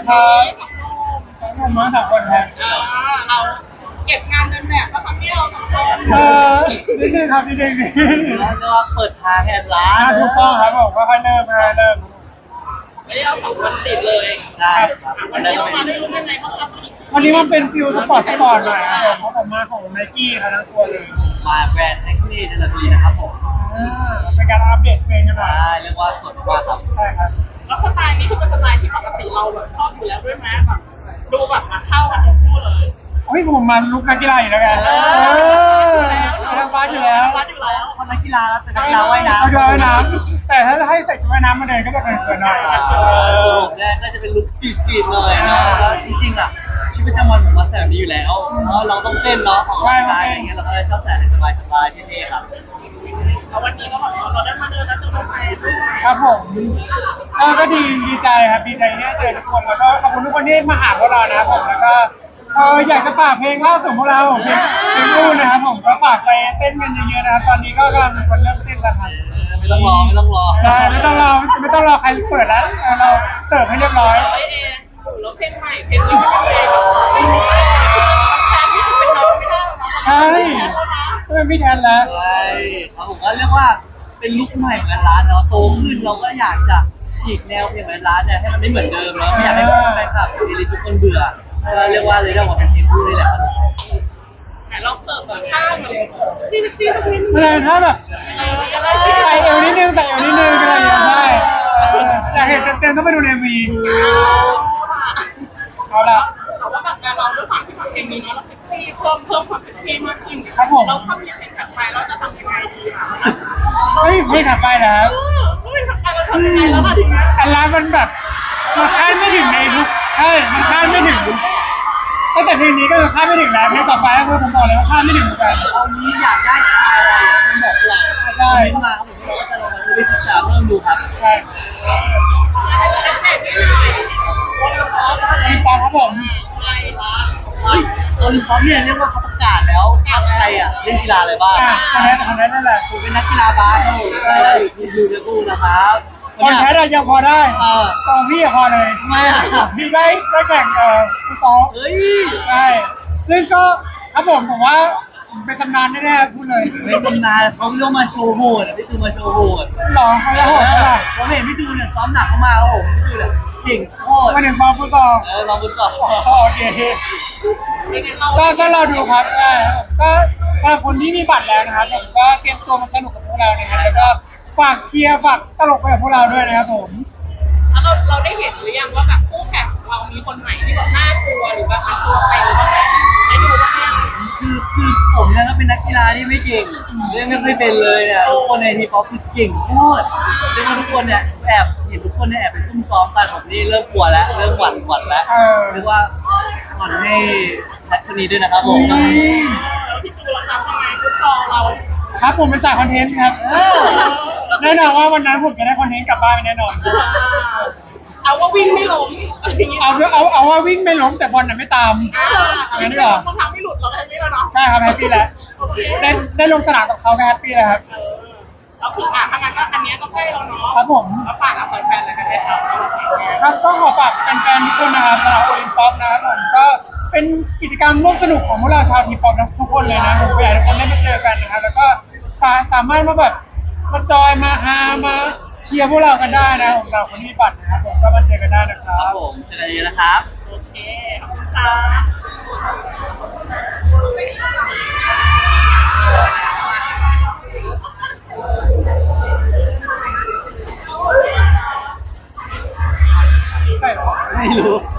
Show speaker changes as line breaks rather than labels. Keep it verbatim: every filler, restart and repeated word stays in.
ครับทั้งหมดมาสามคนครับ
เราเก็บงานเดินแบบก็ทำให้เราสองคน
เออนิดนึงครับนิดนึงนิดนึง
แล้วก็เปิดทางให้ร้า
อ่าน ถูกต้องครับผมก็ค่อยเริ่มค่อยเริ่ม
ไม่ได้เราสองคนติดเลย
ได้ครับ
วันนี้เรามาด้วยรุ่นยังไงบ้างครับ
วันนี้มันเป็นฟิลสปอร์ตสปอร์ตหน่อยครับผมเพราะผมมาของไนกี้ครับทั้งตัวเลย
มาแบรนด์แท็กซี่เดลปีนะครับผม
อ่าเป็นการอัปเดตเพลงกันหน่อย
ได้เรียกว่าสดมากครับ
ใช่ครับ
แล้วสไตล์นี้คือเป็นสไตล์ที่ปกติเราแบบชอบอยู่แล้วด้วยไหมแบบดูแบบมาเข้ากันทั้งคู่เลย
เฮ้ยผมมาลุกนักกีฬาอยู่แล้วกัน
เอ
เอ
อ
อทางบ้านอยู่แล้ว
บ้านอยู่แล้ว
คนนักกีฬาแล้วแต่นักกีฬาว่ายน้ำ
นักกีฬาว่ายน้ำแต่ถ้าให้ใส่ชุดว่ายน้ำมาเดินก็จะเกินๆหน่อย
ผมเนี่ยก็จะเป็นลุคสตรีทสตรีทเลยนะแล้วจริงๆอ่ะชีวิตประจำวันผมมาใส่แบบนี้อยู่แล้วเพราะเราต้องเต้นเนาะออกกำลังกายอะไรเงี้ยเราก็เลยชอบใส่ให้สบายๆเท่ๆครับ
แล้ววันนี้ก็แบบเราได้มาเดินแล้วจะมาไปด้วย
ครับผมเออก็ดีดีใจครับดีใจที่ได้เจอทุกคนแล้วก็ขอบคุณทุกคนที่มาหาพวกเรานะครับผมแล้วก็เอออยากจะฝากเพลงล่าสุดของพวกเราเพลงเพลงรู่นะครับผมก็ฝากไปเต้นกันเยอะๆนะครับตอนนี้ก็กำลังมีคนเริ่มเต้นแล้วครับ
ไม่ต้องรอไม่ต้องรอ
ใช่ไม่ต้องรอไม่ต้องรอใครเปิดแล้วเออเราเสิร์ฟให้เรียบร้อย
ร้อยเองแล้วเพลงใหม่เพลงนี้เป็นยังไงแบบแทนที่จะเป็นน้องไม่ได้แล้วนะ
ใช่
แทนแล้วนะ
เป็นพี่แทนแล้ว
ใช่ครับผมก็เรียกว่าเป็นลุคใหม่ของร้านเนาะโตขึ้นเราก็อยากจะฉีกแนวเพลงของร้านเนี่ยให้มันไม่เหมือนเดิมเนาะไม่อยากให้แฟนคลับหรือทุกคนเบื่อก็เรียกว่าเลยเรียกว่าเป็นเพลงคู่นี่แหละครับผม
แต่เราเสิร์ฟแบบข้าวแบบที่ที่ที่ที่
ไม่ได้ถ้าแบบ
เออจะได้
ใส่เอวนิดนึงใส่เอวนิดนึงอะไรอย่างเงี้ยใช่เอออยากเห็นเต็มๆต้องไปดูในวีเอาละ
แต่ว่าแบบเราด้วยความที่แบบเพลงนี้เนาะเราเซ็กซี่เพิ่มเพิ่มความเซ็กซี่มากขึ้นเราทำยังไงถัดไปเราจะทำยังไงดีอ่ะ
เฮ้ยเพลงถัดไปนะครับ
เออเฮ้ยถัดไปเราทำยังไงแล้วล่ะทีนี้
อันร้านมันแบบมันคาดไม่ถึงในทุกใช่มันคาดไม่ถึงตั้งแต่เพลงนี้ก็คือคาดไม่ถึงแล้วเพลงต่อไปก็คือผมบอกเลยว่าคาดไม่ถึงเหมือนกัน
เอานี้อยากได้สไตล์อะไรคุณบอกเรา
ใช่
คอมเมนต์มาครับผมเราก็จะลองไปศึกษาเริ่มดูครับ
ใช่
อัปเดตนิดหน่อยวันละคร
มีปองครับผม
ไปละ
เฮ้ยโอลิมปิกเนี่ยเรียกว่าเขาประกาศแล้วทัพไทยอ่ะเล่นกีฬาอะไรบ้าง
อ่ะคนนั้นคนนั้นนั่นแหละ
ผมเป็นนักกีฬาบาสครับผมใช่อยู่อยู่ในกูนะครับ
คนแพ้เรายังพอได้
เออ
ตองพี่อะพอเลย
ทำไมอ่ะ
พี่ได้ได้แข่งเอ่อฟุตซอล
เฮ้ย
ใช่ซึ่งก็ครับผมผมว่าเป็นตำนานแน่ๆพูดเลย
ไม่ตำนานเขาเรียกมาโชว์โหดพี่ตูนมาโชว์โหด
หรอเขาจะโหดเท่าไหร่
ผมเห็นพี่ตูนเนี่ยซ้อมหนักมากๆครับผมพี่ตูนเนี่ยเก่งโคตร
มาถึงบอลฟุตซอล
เออลองดูต่อ
โอเคก็ก็เราดูครับก็ก็สำหรับคนที่มีบัตรแล้วนะครับผมก็เตรียมตัวมาสนุกกับพวกเรานะครับแล้วก็ฝากเชียร์ฝากตลกไปกับพวกเราด้วยนะครับผม
แล้วเราเราได้เห็นหรือยังว่าแบบคู่แข่งของเรามีคนไหนที่แบบน่ากลัวหรือแบบเป็นตัวเต็งบ้างไหมได้ดูบ้างยัง
คือคือผมเนี่ยก็เป็นนักกีฬาที่ไม่เก่งเล่นไม่เคยเป็นเลยเนี่ยทุกคนในทีป๊อปคือเก่งโคตรเรียกว่าทุกคนเนี่ยแอบเห็นทุกคนเนี่ยแอบไปซุ่มซ้อมกันผมนี่เริ่มกลัวแล้วเริ่มหวั่นหวั่นแล้ว
เออ
เรียกว่าหวั่นให้แพทคนนี้ด้วยนะครับผม
อืม
แล้วพี่ตูนล่ะครับยังไงฟุตซอลเรา
ครับผมเป็นจ่ายคอนเทนต์ครับแน่นอนว่าวันนั้นผมจะได้คอนเทนต์กลับบ้านแน่นอน
เอาว่าวิ่งไม่ล้มอะไรอย่างเงี้ย
เอาเอาเอาว่าวิ่งไม่ล้มแต่บอลน่ะไม่ตาม
อ่าวิ่งไม่ล้มรองเท้าไม่หลุดเราแค่นี้แล้วเนาะ
ใช่ครับแฮปปี้แล้ว
โอเค
ได้ได้ลงสนามกับเขาก็แฮปปี้แล้วครับ
เออเราคืออ่ะถ้างั้นก็อันเนี้ยก็ใกล้เราเนาะ
ครับผม
แล้วฝากกับแฟนๆอะไรกันได้ครับ
ครับก็ขอฝากแฟนๆทุกคนนะครับสำหรับโอลิมปิกนะครับผมก็เป็นกิจกรรมร่วมสนุกของพวกเราชาวทีป๊อปทุกคนเลยนะผมก็อยากให้ทุกคนได้มาเจอกันนะครับแล้วก็สามารถมาแบบมาจอยมาฮามาเชียร์พวกเรากันได้นะผมเราคนที่มีบัตรนะครับผมก็มาเจอกันได้นะครั
ครับ บผมเจอกันเยอะนะครับ
โอเคขอบคุณค่ะ
ใช่เหรอ
ไม่รู้